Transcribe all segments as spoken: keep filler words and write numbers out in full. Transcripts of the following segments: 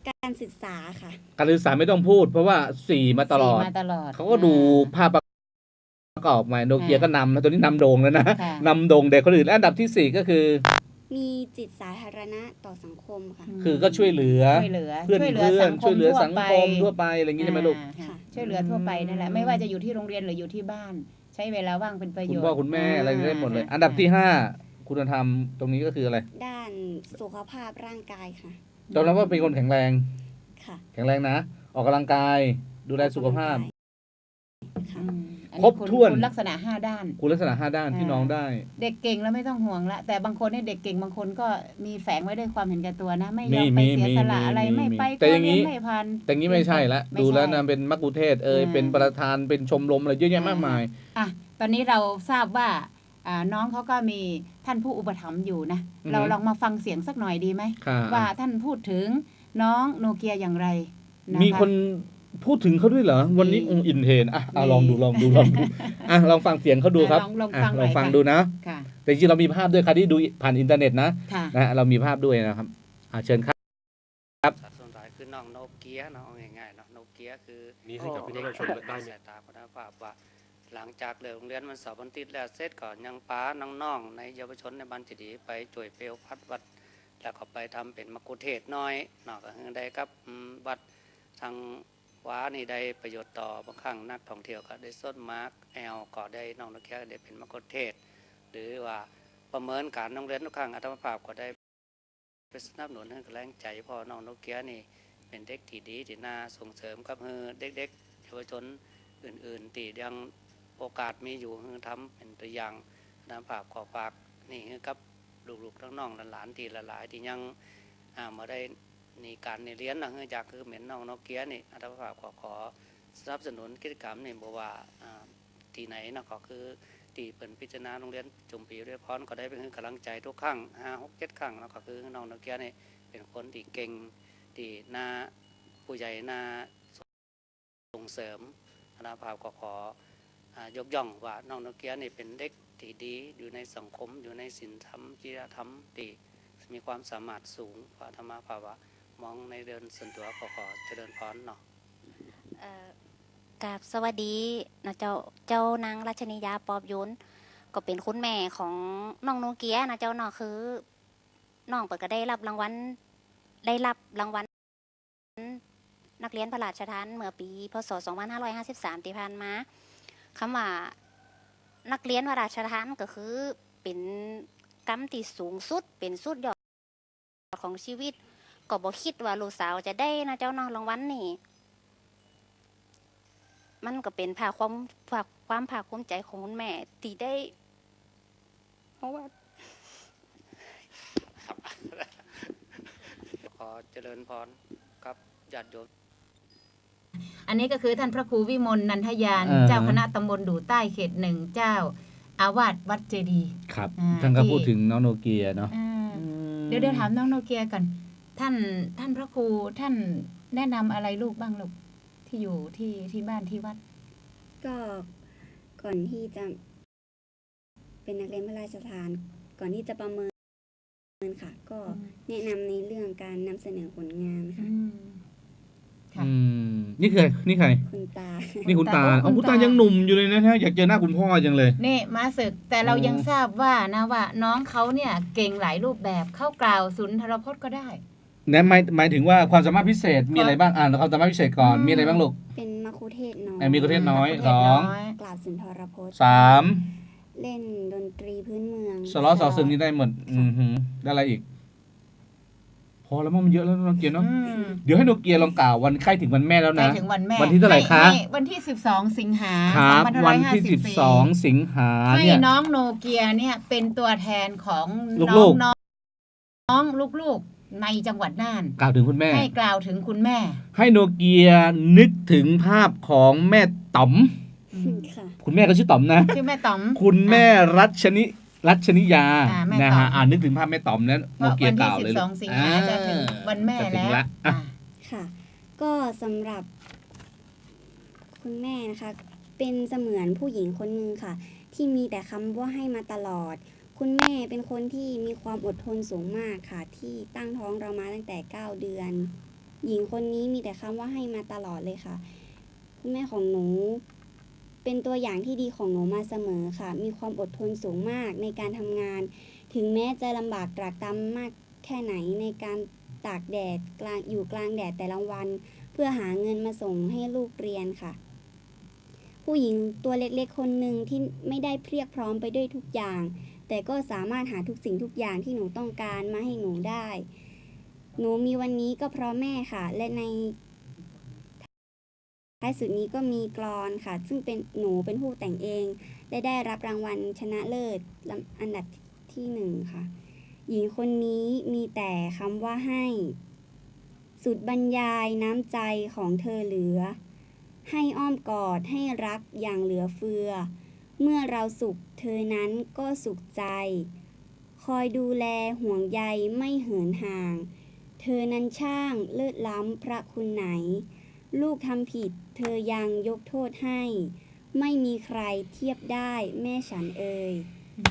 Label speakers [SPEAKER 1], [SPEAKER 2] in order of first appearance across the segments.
[SPEAKER 1] การศึกษาค่ะ
[SPEAKER 2] การศึกษาไม่ต้องพูด เพราะว่าสี่มาตลอดเขาก็ดูภาพประกอบมาโนเกียก็นำนะตัวนี้นำโด่งแล้วนะนำโด่งเด็กคนอื่นและอันดับที่สี่ก็คือ
[SPEAKER 1] มีจิตสาธารณะต่อสังคมค่ะ
[SPEAKER 2] คือก็ช่วยเหลือเพื่อนเพื่อนช่วยเหลือสังคมทั่วไปอะไรอย่างนี้ใช่ไหมลูก
[SPEAKER 3] ช่วยเหลือทั่วไปนั่นแหละไม่ว่าจะอยู่ที่โรงเรียนหรืออยู่ที่บ้านใช้เวลาว่างเป็นประโยชน์
[SPEAKER 2] คุณพ่อคุณแม่อะไรได้หมดเลยอันดับที่ห้าคุณธรรมตรงนี้ก็คืออะไร
[SPEAKER 1] ด้านสุขภาพร่างกายค่ะ
[SPEAKER 2] ยอมรับว่าเป็นคนแข็งแรง
[SPEAKER 1] ค่ะ
[SPEAKER 2] แข็งแรงนะออกกำลังกายดูแลสุขภาพ
[SPEAKER 3] ครบถ้วนลักษณะห้าด้าน
[SPEAKER 2] คุณลักษณะห้าด้านที่น้องได้
[SPEAKER 3] เด็กเก่งแล้วไม่ต้องห่วงละแต่บางคนเนี่ยเด็กเก่งบางคนก็มีแฝงไว้ด้วยความเห็นแก่ตัวนะไม่ยอมไปเสียสละอะไรไม่ไปก็เรียนไม่พัน
[SPEAKER 2] แต่งี้ไม่ใช่ละดูแล้วนะเป็นมักคุเทศเอยเป็นประธานเป็นชมรมอะไรเยอะแยะมากมาย
[SPEAKER 3] อ่ะตอนนี้เราทราบว่าน้องเขาก็มีท่านผู้อุปถัมภ์อยู่นะเราลองมาฟังเสียงสักหน่อยดีไหมว่าท่านพูดถึงน้องโนเกียอย่างไร
[SPEAKER 2] มีคนพูดถึงเขาด้วยเหรอวันนี้องค์อินเทนอ่ะลองดูลองดูลองดูอ่ะลองฟังเสียงเขาดูครับ
[SPEAKER 3] ลองฟัง
[SPEAKER 2] ลองฟังดูนะแต่จริงเรามีภาพด้วยค่ะที่ดูผ่านอินเทอร์เน็ตนะนะเรามีภาพด้วยนะครับอ่ะเชิญครับ
[SPEAKER 4] ครับส่วนท้ายคือน้องโนเกียเนาะง่ายๆเนาะโนเกียคือ
[SPEAKER 5] นี่ให้กับพี่น้องชมได้
[SPEAKER 4] สายตาคุณภาพว่าหลังจากเลิกโรงเรียนมันสอบวันติดแล้วเสร็จก่อนยังป้าน้องๆในเยาวชนในบ้านจิดีไปจ่วยเปลวพัดวัดแล้วก็ไปทำเป็นมักคุเทศน้อยเนาะก็คือได้กับวัดทางว้านี่ได้ประโยชน์ต่อบางครั้งนักท่องเที่ยวก็ได้ส้นมาร์กแอลก็ได้น้องนักเรียนได้เป็นมักคุเทศหรือว่าประเมินการโรงเรียนทุกครั้งอัตมาภาพก็ได้ไปสนับสนุนให้กำลังใจพ่อน้องนักเรียนนี่เป็นเด็กที่ดีที่น่าส่งเสริมกับเด็กๆเยาวชนอื่นๆที่ยังโอกาสมีอยู่คือทำเป็นตัวอย่างน้ำภาพขอฝากนี่คือกับลูกๆทั้งน้องหลานที่หลายๆที่ยังมาได้ในการในเรียนนะเนื่องจากคือเหม็นน้องนกเกียนี่อัตมาภาพขอขอสนับสนุนกิจกรรมนี่บอกว่าที่ไหนนะก็คือที่เปิดพิจารณาโรงเรียนจุ่มปีเรียพรก็ได้เป็นกำลังใจทุกครั้งห้าหกเจ็ดครั้งแล้วก็คือน้องนกเกียนี่เป็นคนที่เก่งที่น่าผู้ใหญ่น่าส่งเสริมอัตมาภาพขอขอยกย่องว่าน้องนกเกียนี่เป็นเด็กที่ดีอยู่ในสังคมอยู่ในศีลธรรมจริยธรรมที่มีความสามารถสูงกว่าธรรมภาวะมองในเดินส่วนตัวขอขอเจริญพรเนาะ
[SPEAKER 6] กับสวัสดีนะเจ้าเจ้านางรัชนียาปอบยุนก็เป็นคุณแม่ของน้องโนเกียนะเจ้าเนาะคือน้องเปิดก็ได้รับรางวัลได้รับรางวัลนักเรียนพระราชทานเมื่อปีพศสองพันห้าร้อยห้าสิบสามที่ผ่านมาคำว่านักเรียนพระราชทานก็คือเป็นกรรมที่สูงสุดเป็นสุดยอดของชีวิตก็บอกคิดว่าลูกสาวจะได้นะเจ้าน้องรางวัลนี่มันก็เป็นภาคความภาคความภาคภูมิใจของคุณแม่ที่ได้เพราะว่า
[SPEAKER 4] ขอเจริญพรครับญาติโยม
[SPEAKER 3] อันนี้ก็คือท่านพระครูวิมลนันทยานเจ้าคณะตำบลดู่ใต้เขตหนึ่งเจ้าอาวาสวัดเจดีย์
[SPEAKER 2] ครับท่านก็พูดถึงน้องโนเกียเนาะ
[SPEAKER 3] เดี๋ยวเดี๋ยวถามน้องโนเกียกันท่านท่านพระครูท่านแนะนำอะไรลูกบ้างลูกที่อยู่ที่ที่บ้านที่วัด
[SPEAKER 1] ก็ก่อนที่จะเป็นนักเรียนพระราชทานก่อนที่จะประเมินค่ะก็แนะนำในเรื่องการนำเสนอผลงานค่ะ
[SPEAKER 2] อืมนี่คือนี่ใคร
[SPEAKER 1] คุณตา
[SPEAKER 2] นี่คุณตาอ๋อคุณตายังหนุ่มอยู่เลยนะฮะอยากเจอหน้าคุณพ่อจังเลย
[SPEAKER 3] นี่มาศึกแต่เรายังทราบว่านะว่าน้องเขาเนี่ยเก่งหลายรูปแบบเข้ากล่าวสุนทรพจน์ก็ได้
[SPEAKER 2] นั่นหมายหมายถึงว่าความสามารถพิเศษมีอะไรบ้างอ่านความสามารถพิเศษก่อนมีอะไรบ้างลูก
[SPEAKER 1] เป็นมัคคุเทศน้อย
[SPEAKER 2] มีมัคคุเทศน้อยสอง
[SPEAKER 1] กล่าวสุนทรพจน์
[SPEAKER 2] สาม
[SPEAKER 1] เล่นดนตรีพื้นเมือง
[SPEAKER 2] สล้อสอซึงนี่ได้หมดอือหือได้อะไรอีกพอแล้วมันเยอะแล้วน้องเกียร์เนาะเดี๋ยวให้โนเกียลองกล่าววันใกล้ถึงวันแม่แล้วนะ
[SPEAKER 3] ใกล้ถึงวันแม่
[SPEAKER 2] วันที่เท่าไหร่คะ
[SPEAKER 3] วันที่สิบสองสิงหา
[SPEAKER 2] คมวันที่สิบสองสิงหา
[SPEAKER 3] เนี่ยให้น้องโนเกียเนี่ยเป็นตัวแทนของน้องน้องลูกๆในจังหวัดน่าน
[SPEAKER 2] กล่าวถึงคุณแม่
[SPEAKER 3] ให้กล่าวถึงคุณแม่
[SPEAKER 2] ให้โนเกียนึกถึงภาพของแม่ต๋อมคุณแม่ก็ชื่อต๋อมนะ
[SPEAKER 3] ชื่อแม่ต๋อม
[SPEAKER 2] คุณแม่รัชนิรัชนิยานะฮะอ่านนึกถึงภาพแม่ต๋อมนั้นโนเกียกล่าวเลย
[SPEAKER 3] วันที่สิบสองสิงหาจะถึงวันแม่แล้ว
[SPEAKER 1] ค่ะก็สำหรับคุณแม่นะคะเป็นเสมือนผู้หญิงคนนึงค่ะที่มีแต่คำว่าให้มาตลอดคุณแม่เป็นคนที่มีความอดทนสูงมากค่ะที่ตั้งท้องเรามาตั้งแต่เก้าเดือนหญิงคนนี้มีแต่คำว่าให้มาตลอดเลยค่ะคุณแม่ของหนูเป็นตัวอย่างที่ดีของหนูมาเสมอค่ะมีความอดทนสูงมากในการทำงานถึงแม้จะลำบากตรากตรำมากแค่ไหนในการตากแดดกลางอยู่กลางแดดแต่ละวันเพื่อหาเงินมาส่งให้ลูกเรียนค่ะผู้หญิงตัวเล็กๆคนหนึ่งที่ไม่ได้เพียบพร้อมไปด้วยทุกอย่างแต่ก็สามารถหาทุกสิ่งทุกอย่างที่หนูต้องการมาให้หนูได้หนูมีวันนี้ก็เพราะแม่ค่ะและในท้ายสุดนี้ก็มีกลอนค่ะซึ่งเป็นหนูเป็นผู้แต่งเองและได้รับรางวัลชนะเลิศอันดับที่หนึ่งค่ะหญิงคนนี้มีแต่คำว่าให้สุดบรรยายน้ำใจของเธอเหลือให้อ้อมกอดให้รักอย่างเหลือเฟือเมื่อเราสุขเธอนั้นก็สุขใจคอยดูแลห่วงใยไม่เหินห่างเธอนั้นช่างเลิศล้ำพระคุณไหนลูกทำผิดเธอยังยกโทษให้ไม่มีใครเทียบได้แม่ฉันเอ่ย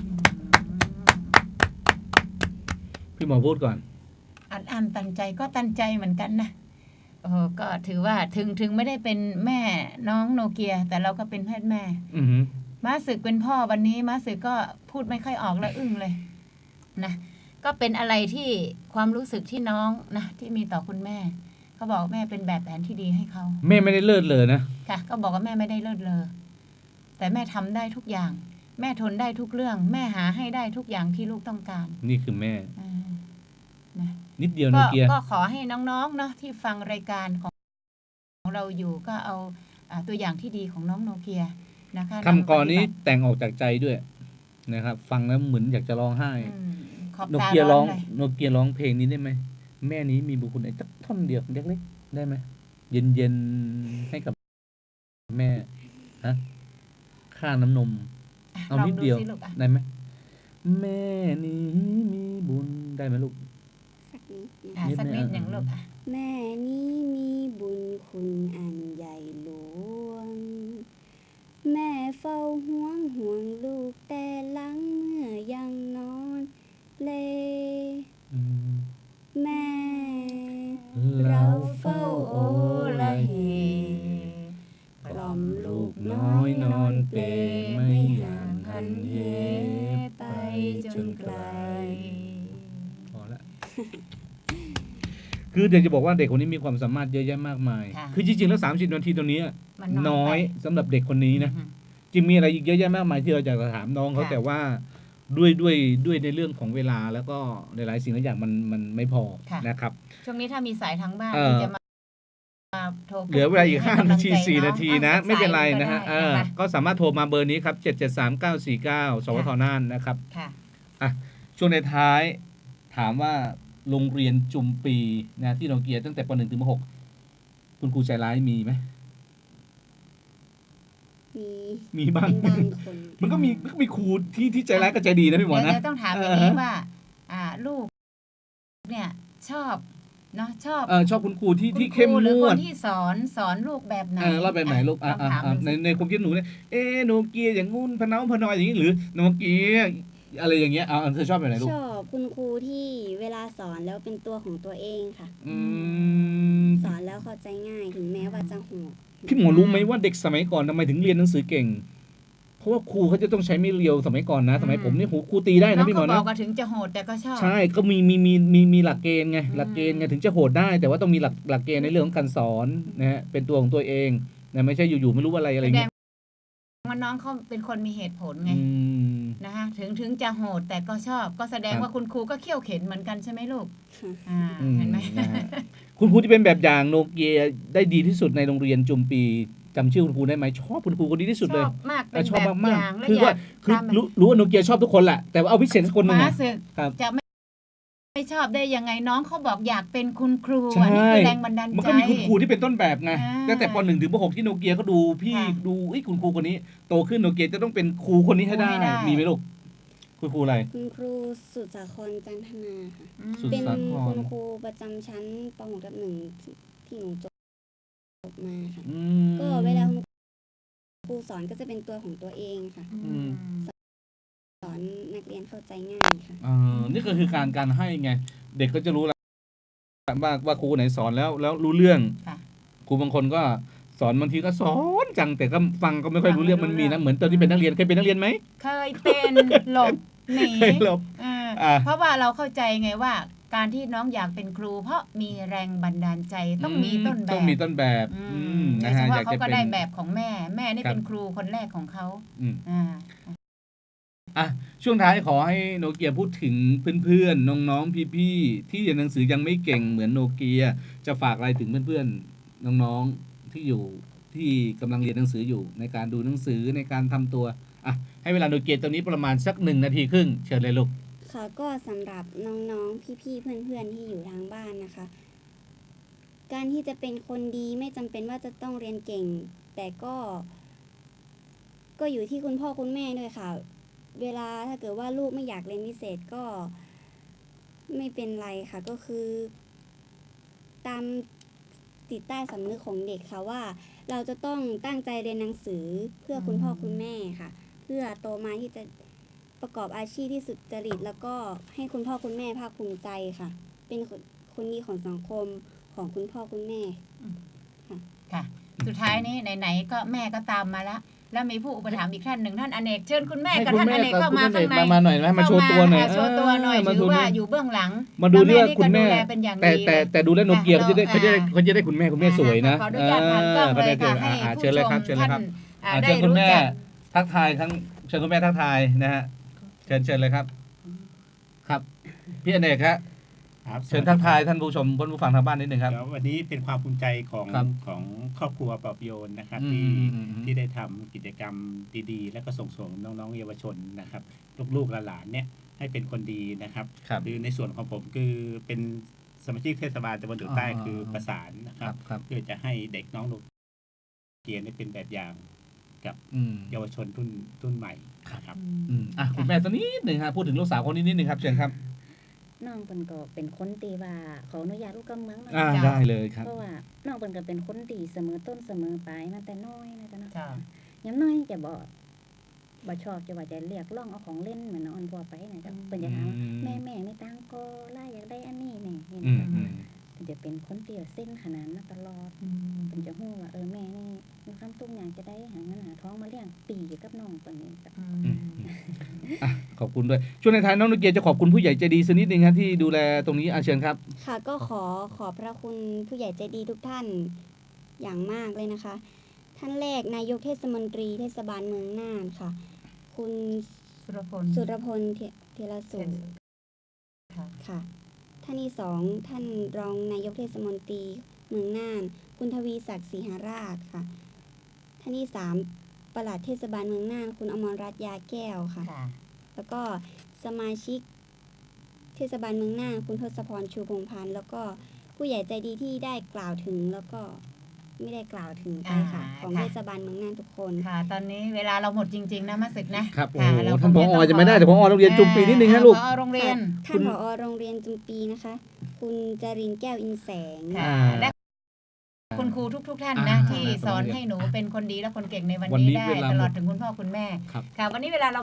[SPEAKER 2] พี่หมอพูดก่อน
[SPEAKER 3] อันอันตันใจก็ตันใจเหมือนกันนะโอ้ก็ถือว่าถึงถึงไม่ได้เป็นแม่น้องโนเกียแต่เราก็เป็นแพทย์แม่
[SPEAKER 2] อือหือ
[SPEAKER 3] ม้าศึกเป็นพ่อวันนี้ม้าศึกก็พูดไม่ค่อยออกแล้วอึ้งเลยนะก็เป็นอะไรที่ความรู้สึกที่น้องนะที่มีต่อคุณแม่เขาบอกแม่เป็นแบบแผนที่ดีให้เขา
[SPEAKER 2] แม่ไม่ได้เลิศเลยนะ
[SPEAKER 3] ค่ะก็บอกว่าแม่ไม่ได้เลิศเลอแต่แม่ทำได้ทุกอย่าง แม่ทนได้ทุกเรื่อง แม่หาให้ได้ทุกอย่างที่ลูกต้องการ
[SPEAKER 2] นี่คือแม่
[SPEAKER 3] อ่านะ
[SPEAKER 2] นิดเดียวโน
[SPEAKER 3] ก็
[SPEAKER 2] เกีย
[SPEAKER 3] ก็ขอให้น้องๆเนาะที่ฟังรายการของของเราอยู่ก็เอาอ่าตัวอย่างที่ดีของน้องโนเกียนะคะ
[SPEAKER 2] คำกรนี้แต่งออกจากใจด้วยนะครับ ฟังแล้วเหมือนอยากจะร้องไห้
[SPEAKER 3] อืมขอบ
[SPEAKER 2] โน
[SPEAKER 3] ตา
[SPEAKER 2] เกีย
[SPEAKER 3] ร้
[SPEAKER 2] ร้
[SPEAKER 3] อ
[SPEAKER 2] อน ง
[SPEAKER 3] เลย
[SPEAKER 2] โนเกียร้องเพลงนี้ได้ไหมแม่นี้มีบุญคุณไอ้สักท่อนเดียวเล็กๆได้ไหมเย็นๆให้กับแม่ฮะค่าน้ำนม เอา
[SPEAKER 3] ลอง
[SPEAKER 2] นิด
[SPEAKER 3] ดู
[SPEAKER 2] เดียว
[SPEAKER 3] สิลูกอ่ะ
[SPEAKER 2] ได้ไหมแม่นี้มีบุญได้ไหมลูก
[SPEAKER 1] สักนิด
[SPEAKER 3] อ่ะ
[SPEAKER 1] นะ
[SPEAKER 3] สักนิด
[SPEAKER 2] นิด
[SPEAKER 3] หนึ่ง
[SPEAKER 2] อ่ะ
[SPEAKER 3] ลูกอ่ะ
[SPEAKER 1] แม่นี้มีบุญคุณอันใหญ่หลวง แม่เฝ้าห่วงห่วงลูกแต่หลังเมื่อยังนอนเล
[SPEAKER 2] อืม
[SPEAKER 1] แม่
[SPEAKER 2] เรา
[SPEAKER 1] เฝ้าโอละเหกล่อมลูกน้อยนอนเปลไม่ห่างหันเหไปจนไกล
[SPEAKER 2] พอละ คือเดี๋ยวจะบอกว่าเด็กคนนี้มีความสามารถเยอะแยะมากมาย
[SPEAKER 3] ค่ะ
[SPEAKER 2] คือจริงๆแล้วสามสิบนาทีตรงนี้
[SPEAKER 3] มัน
[SPEAKER 2] น้อย
[SPEAKER 3] ไป
[SPEAKER 2] สำหรับเด็กคนนี้นะ
[SPEAKER 3] อืม
[SPEAKER 2] จริงมีอะไรอีกเยอะแยะมากมายที่เราอยากจะถามน้องเขา
[SPEAKER 3] ค่ะ
[SPEAKER 2] แต่ว่าด้วยด้วยด้วยในเรื่องของเวลาแล้วก็หลายๆสิ่งหลายอย่างมันมันไม่พอ
[SPEAKER 3] ค่ะ
[SPEAKER 2] นะครับ
[SPEAKER 3] ช่วงนี้ถ้ามีสายทางบ้าน
[SPEAKER 2] เอ่อ
[SPEAKER 3] ที่จะมามาโทรพูด
[SPEAKER 2] เหลือเวลาอีก
[SPEAKER 3] ให้
[SPEAKER 2] ห้าก
[SPEAKER 3] ำลั
[SPEAKER 2] นาง ที
[SPEAKER 3] ใจ
[SPEAKER 2] สี่
[SPEAKER 3] อง
[SPEAKER 2] นาที
[SPEAKER 3] อ่
[SPEAKER 2] นะ ไม่เป็นไรนะฮะ
[SPEAKER 3] สาย
[SPEAKER 2] เอ
[SPEAKER 3] ก็
[SPEAKER 2] อ
[SPEAKER 3] ได้
[SPEAKER 2] ก็สามารถโทรมาเบอร์นี้ครับเจ็ดเจ็ดสามเก้าสี่เก้าสวทน่านนะครับ
[SPEAKER 3] ค่ะ
[SPEAKER 2] อ่ะช่วงในท้ายถามว่าโรงเรียนจุมปีนะที่โนเกียตั้งแต่ปหนึ่งถึงมหกคุณครูใจร้ายมีไหม
[SPEAKER 1] มี
[SPEAKER 2] มีบ้าง
[SPEAKER 1] เป็นบางคน
[SPEAKER 2] มันก็มีมันก็มีครูที่ที่ใจร้ายกับใจดีนะพี่หมอ
[SPEAKER 3] เดี๋ยว
[SPEAKER 2] นะ
[SPEAKER 3] เดี๋ยวต้องถามอย่างนี้ว่า อ่า ลูก เนี่ยชอบเนาะชอบ
[SPEAKER 2] เออชอบคุณครูที่
[SPEAKER 3] คุณ
[SPEAKER 2] ที่
[SPEAKER 3] ค
[SPEAKER 2] เข้ม
[SPEAKER 3] รูหรือง
[SPEAKER 2] ว
[SPEAKER 3] ค
[SPEAKER 2] ด
[SPEAKER 3] นที่สอนสอนลูกแบบไหน
[SPEAKER 2] เออรอบแบบไหนลูกอ่ะ
[SPEAKER 3] ลอง
[SPEAKER 2] อ่ะ
[SPEAKER 3] ถาม
[SPEAKER 2] อ่ะ
[SPEAKER 3] ดู
[SPEAKER 2] ใน
[SPEAKER 3] สิ
[SPEAKER 2] ในความคิดหนูเนี่ยเอ๊ะโนเกียอย่างงู้นพะเนาพะนอยอย่างนี้หรือโนเกียอะไรอย่างเงี้ยเอาเอาเธอชอบแบบไหนลูก
[SPEAKER 1] ชอบคุณครูที่เวลาสอนแล้วเป็นตัวของตัวเองค่ะ
[SPEAKER 2] อืม
[SPEAKER 1] สอนแล้วเข้าใจง่ายถึงแม้ว่าจะโหด
[SPEAKER 2] พี่หมอรู้ไหมว่าเด็กสมัยก่อนทำไมถึงเรียนหนังสือเก่ง เพราะว่าครูเขาจะต้องใช้ไม่เรียวสมัยก่อนนะ สมัยผมนี่โหครูตีได้
[SPEAKER 3] น้
[SPEAKER 2] นะ
[SPEAKER 3] อง
[SPEAKER 2] พี่หม
[SPEAKER 3] ก็
[SPEAKER 2] อ
[SPEAKER 3] บอก
[SPEAKER 2] นะ
[SPEAKER 3] ว่าถึงจะโหดแต่ก็ชอบ
[SPEAKER 2] ใช่ก็มีมีมีมีมีหลักเกณฑ์ไง
[SPEAKER 3] อืม
[SPEAKER 2] หลักเกณฑ์ไงถึงจะโหดได้ แต่ว่าต้องมีหลักหลักเกณฑ์ในเรื่องของการสอนนะฮะเป็นตัวของตัวเองนะไม่ใช่อยู่ๆไม่รู้อะไรอะไร
[SPEAKER 3] แสด
[SPEAKER 2] เงี้
[SPEAKER 3] ง
[SPEAKER 2] ย
[SPEAKER 3] ว่าน้องเขาเป็นคนมีเหตุผลไง
[SPEAKER 2] อืม
[SPEAKER 3] นะคะถึงถึงจะโหดแต่ก็ชอบ ก็แสดง
[SPEAKER 2] ครับ
[SPEAKER 3] ว่าคุณครูก็เขี่ยวเข็นเหมือนกันใช่ไหมลูก
[SPEAKER 1] ค่ะ
[SPEAKER 3] อ่า
[SPEAKER 2] อืม
[SPEAKER 3] เห็นไหม
[SPEAKER 2] นะฮะคุณครูที่เป็นแบบอย่างโนเกียได้ดีที่สุดในโรงเรียนจุมปีจำชื่อคุณครูได้ไหมชอบคุณครูคนนี้ที่สุด
[SPEAKER 3] ช
[SPEAKER 2] เลย
[SPEAKER 3] อบมากเป็น
[SPEAKER 2] ชอบ
[SPEAKER 3] แบบ
[SPEAKER 2] มา
[SPEAKER 3] อก ย่างและ
[SPEAKER 2] ๆคือ
[SPEAKER 3] อยา
[SPEAKER 2] ว่าก คือ
[SPEAKER 3] ทำ
[SPEAKER 2] รู้รู้ว่าโนเกียชอบทุกคนแหละแต่ว่าเอาพิเศษสักคนหนึง
[SPEAKER 3] ม้า
[SPEAKER 2] อะ
[SPEAKER 3] ศึก
[SPEAKER 2] ครับ
[SPEAKER 3] จะไม่ไม่ชอบได้ยังไงน้องเขาบอกอยากเป็นคุณครู
[SPEAKER 2] ใช่
[SPEAKER 3] อันนี้คือแรงบันดาล
[SPEAKER 2] มัน
[SPEAKER 3] ใจ
[SPEAKER 2] ก็มีคุณครูที่เป็นต้นแบบไง
[SPEAKER 3] อ่า
[SPEAKER 2] ตั้งแต่ปหนึ่งถึงปหกที่โนเกียเขาดูพี่
[SPEAKER 3] ค่ะ
[SPEAKER 2] ดูไอ้ยคุณครูคนนี้โตขึ้นโนเกียจะต้องเป็นครูคนนี้ให้ได้
[SPEAKER 3] ครูให้ได้
[SPEAKER 2] มีไหมลูกคุณครูอะไร
[SPEAKER 1] คุณครูสุดสาครจันทนาค่ะ
[SPEAKER 3] อืม
[SPEAKER 2] สุด
[SPEAKER 1] เป็น
[SPEAKER 2] สาคร
[SPEAKER 1] คุณครูประจำชั้นป .หก ทับหนึ่งที่หนูจบมาค่ะ
[SPEAKER 2] อืม
[SPEAKER 1] ก็เวลาคุณครูสอนก็จะเป็นตัวของตัวเองค่ะ
[SPEAKER 2] อืม
[SPEAKER 1] สอนนักเรียนเข้าใจง่ายค่ะ
[SPEAKER 2] อ่านี่ก็คือการการให้ไง เด็กก็จะรู้แล้วว่าว่าครูไหนสอนแล้วแล้วรู้เรื่อง
[SPEAKER 3] ค่ะ
[SPEAKER 2] ครูบางคนก็สอนบางทีก็สอนจังแต่ก็ฟังก็ไม่ค่อยรู้เรื่องมันมีนะเหมือนตอนที่เป็นนักเรียนเคยเป็นนักเรียนไหม
[SPEAKER 3] เคยเป็นหลบหนี
[SPEAKER 2] เคยหลบ
[SPEAKER 3] เออ
[SPEAKER 2] อ่า
[SPEAKER 3] เพราะว่าเราเข้าใจไงว่า การที่น้องอยากเป็นครู เพราะมีแรงบันดาลใจต้องมีต้นแบบ
[SPEAKER 2] ต้องมีต้นแบบ
[SPEAKER 3] อื
[SPEAKER 2] อื
[SPEAKER 3] ม
[SPEAKER 2] ม
[SPEAKER 3] โด
[SPEAKER 2] นะ
[SPEAKER 3] ยเฉ
[SPEAKER 2] ฮะอ
[SPEAKER 3] พาะ
[SPEAKER 2] ยาก
[SPEAKER 3] เขา
[SPEAKER 2] จะ
[SPEAKER 3] ก็
[SPEAKER 2] เป็น
[SPEAKER 3] ได้แบบของแม่ แม่นี่
[SPEAKER 2] ครับ
[SPEAKER 3] เป็นครูคนแรกของเขา
[SPEAKER 2] อืม
[SPEAKER 3] อ่า
[SPEAKER 2] อ่ะช่วงท้ายขอให้โนเกียพูดถึงเพื่อนๆน้องๆพี่ๆที่เรียนหนังสือยังไม่เก่งเหมือนโนเกียจะฝากอะไรถึงเพื่อนๆน้องๆที่อยู่ที่กำลังเรียนหนังสืออยู่ในการดูหนังสือในการทำตัวอ่ะให้เวลาโนเกียตรงนี้ประมาณสักหนึ่งนาทีครึ่งเชิญเลยลูก
[SPEAKER 1] ค่ะก็สำหรับน้องๆ พี่ๆ เพื่อนๆ ที่อยู่ทางบ้านนะคะ การที่จะเป็นคนดีไม่จำเป็นว่าจะต้องเรียนเก่ง แต่ก็ ก็อยู่ที่คุณพ่อคุณแม่ด้วยค่ะ เวลาถ้าเกิดว่าลูกไม่อยากเรียนพิเศษก็ไม่เป็นไรค่ะ ก็คือ ตามจิตใต้สำนึกของเด็กค่ะว่า เราจะต้องตั้งใจเรียนหนังสือเพื่อคุณพ่อคุณแม่ค่ะ เพื่อโตมาที่จะประกอบอาชีพที่สุจริต แล้วก็ให้คุณพ่อคุณแม่ภาคภูมิใจค่ะ เป็นคนคนดีของสังคมของคุณพ่อคุณแม่
[SPEAKER 3] ค่ะ สุดท้ายนี้ไหนๆก็แม่ก็ตามมาแล้ว แล้วมีผู้อุปถัมภ์อีกท่านหนึ่งท่านอเนกเชิญคุณแม่
[SPEAKER 2] ให้
[SPEAKER 3] กับ
[SPEAKER 2] คุณ
[SPEAKER 3] ท่าน
[SPEAKER 2] แม่
[SPEAKER 3] อเนก
[SPEAKER 2] กับ
[SPEAKER 3] เข้ามา
[SPEAKER 2] คุณอเน
[SPEAKER 3] ข้าก งใน
[SPEAKER 2] มามาหน่อยนะมาโชว์ตัวหน่อย
[SPEAKER 3] เข้ามาโชว์ตัวหน่อย
[SPEAKER 2] เออมา
[SPEAKER 3] ถื
[SPEAKER 2] ดู
[SPEAKER 3] อว่า
[SPEAKER 2] เนี่ย
[SPEAKER 3] อยู่เบื้องหลัง
[SPEAKER 2] มาดูเรื่องคุณแม่
[SPEAKER 3] ล้วนี่ก็ดูแลเป็นอย่าง
[SPEAKER 2] แต่
[SPEAKER 3] ดี
[SPEAKER 2] แต่
[SPEAKER 3] เลย
[SPEAKER 2] แต่ดูแลวโนเกีย
[SPEAKER 3] ค่ะ
[SPEAKER 2] เขาจะได้เขาจะได้
[SPEAKER 3] อ่า
[SPEAKER 2] เขาจะได้คุณแม่คุณแม่สวยนะ
[SPEAKER 3] ขออนุญาตผ่านกล้องเลยค่ะให้
[SPEAKER 2] อ่า
[SPEAKER 3] ผู้
[SPEAKER 2] เชิญเลย
[SPEAKER 3] ช
[SPEAKER 2] ครับ
[SPEAKER 3] ม
[SPEAKER 2] เชิญเลยครับ
[SPEAKER 3] ท่านอ่า
[SPEAKER 2] อ่า
[SPEAKER 3] ได้
[SPEAKER 2] เชิญคุณ
[SPEAKER 3] รู้
[SPEAKER 2] แม่
[SPEAKER 3] จัก
[SPEAKER 2] ทักทายทั้งเชิญคุณแม่ทักทายนะฮะเชิญเชิญเลยครับ ครับพี่อเนกครับ
[SPEAKER 5] ครับ
[SPEAKER 2] เชิญทักทายท่านผู้ชมผู้ฟังทางบ้านนิดนึงครับ
[SPEAKER 5] เดี๋ยววันนี้เป็นความภูมิใจของ
[SPEAKER 2] ครับ
[SPEAKER 5] ของครอบครัวปลอบโยนนะครับ
[SPEAKER 2] อืม
[SPEAKER 5] ที่
[SPEAKER 2] อืมอืม
[SPEAKER 5] ที่ได้ทำกิจกรรมดีๆ และก็ส่งเสริมน้องๆเยาวชนนะครับ ลูกๆหลานๆเนี่ยให้เป็นคนดีนะครับ
[SPEAKER 2] ครับ
[SPEAKER 5] คือในส่วนของผมคือเป็นสมาชิกเทศบาลตำบลดุใต้
[SPEAKER 2] อ่า
[SPEAKER 5] คือประสานนะค
[SPEAKER 2] ค
[SPEAKER 5] รั
[SPEAKER 2] รั
[SPEAKER 5] บบ
[SPEAKER 2] ครับ
[SPEAKER 5] เพื่อจะให้เด็กน้องลูกเกียรติเป็นแบบอย่างกับ
[SPEAKER 2] อืม
[SPEAKER 5] เยาวชนรุ่นรุ่นใหม่นะครับ
[SPEAKER 2] อืมอ่ะคุณแม่สักนิดหนึ่งครับพูดถึงลูกสาวคนนี้นิดนึงครับเชิญครับ
[SPEAKER 7] น้องเปิ้นก็เป็นคนตีว่าขออนุญาตลูกกำเมืองหน่อย
[SPEAKER 2] อ่า
[SPEAKER 7] จ้ะ
[SPEAKER 2] ได้เลยครับ
[SPEAKER 7] เพราะว่าน้องเปิ้นก็เป็นคนดีเสมอต้นเสมอปลายมาแต่น้อยนะจ๊ะเนาะ
[SPEAKER 3] จ้ะ
[SPEAKER 7] ยามน้อยจะบ่บ่ชอบจะว่าจะเรียกร้องเอาของเล่นเหมือนน้องอันพัวไปนะจ๊ะเปิ้นจะถาม
[SPEAKER 2] อืม
[SPEAKER 7] แม่แม่มีตังค์ก็ล่าอยากได้อันนี้แม่นี่
[SPEAKER 2] อื
[SPEAKER 7] นะ
[SPEAKER 2] ม
[SPEAKER 7] จ๊ะ
[SPEAKER 2] อืม
[SPEAKER 7] เพิ่นจะเป็นคนเตี่ยวเส้นขนาดมาตลอด
[SPEAKER 3] อืม
[SPEAKER 7] เพิ่นจะฮู้ว่าเออแม่นี่มีความตุ้งอยากจะได้หาเงินหาท้องมาเลี้ยงปีกับน้องเปิ้นนี่จ้ะ
[SPEAKER 3] อื
[SPEAKER 2] อื
[SPEAKER 3] ม
[SPEAKER 2] มอืมอ่ะขอบคุณด้วยช่วงในท้ายน้องนุเกียจะขอบคุณผู้ใหญ่ใจดีสักนิดนึงครับที่ดูแลตรงนี้อาเชิญครับ
[SPEAKER 1] ค่ะก็ขอขอบพระคุณผู้ใหญ่ใจดีทุกท่านอย่างมากเลยนะคะ ท่านแรกนายกเทศมนตรีเทศบาลเมืองน่านค่ะ คุณ
[SPEAKER 3] สุรพล
[SPEAKER 1] สุรพลเทเทระสุ
[SPEAKER 3] ค่ะ
[SPEAKER 1] ค่ะ ท่านที่สองท่านรองนายกเทศมนตรีเมืองน่าน คุณทวีศักดิ์ศรีหาราชค่ะ ท่านที่สามปลัดเทศบาลเมืองน่าน คุณอมรรัตน์ยาแก้วค่ะ
[SPEAKER 3] ค่ะ
[SPEAKER 1] แล้วก็สมาชิกเทศบาลเมืองน่าน คุณทศพรชูพงษ์พันธ์แล้วก็ผู้ใหญ่ใจดีที่ได้กล่าวถึงแล้วก็ไม่ได้กล่าวถึงไปค่ะ
[SPEAKER 3] อ่า
[SPEAKER 1] ของ
[SPEAKER 3] ค่ะ
[SPEAKER 1] เทศบาลเมืองน่านทุกคน
[SPEAKER 3] ค่ะ ตอนนี้เวลาเราหมดจริง ๆ นะมาสึกนะครับ
[SPEAKER 2] โอ้
[SPEAKER 3] ค่ะ
[SPEAKER 2] โห
[SPEAKER 3] เรา
[SPEAKER 2] ท่านผ
[SPEAKER 3] ค
[SPEAKER 2] อง
[SPEAKER 3] ต้
[SPEAKER 2] จะไม่ได้แต่ผอโรงเรียนจุมปีนิดนึงนะลูก
[SPEAKER 3] ผอโรงเรียน
[SPEAKER 1] ท่านผอโรงเรียนจุมปีนะคะ คุณจรินทร์แก้วอินแสง
[SPEAKER 3] ค่ะ
[SPEAKER 2] อ่า
[SPEAKER 3] และคุณครูทุก ๆ ท่านนะ
[SPEAKER 2] อ่า
[SPEAKER 3] ที่สอนให้หนูเป็นคนดีและคนเก่งในวัน
[SPEAKER 2] วันนี้
[SPEAKER 3] นี้ได้
[SPEAKER 2] เวลาหมด
[SPEAKER 3] ตลอดถึงคุณพ่อคุณแม่
[SPEAKER 2] ครับ
[SPEAKER 3] ค่ะ วันนี้เวลาเรา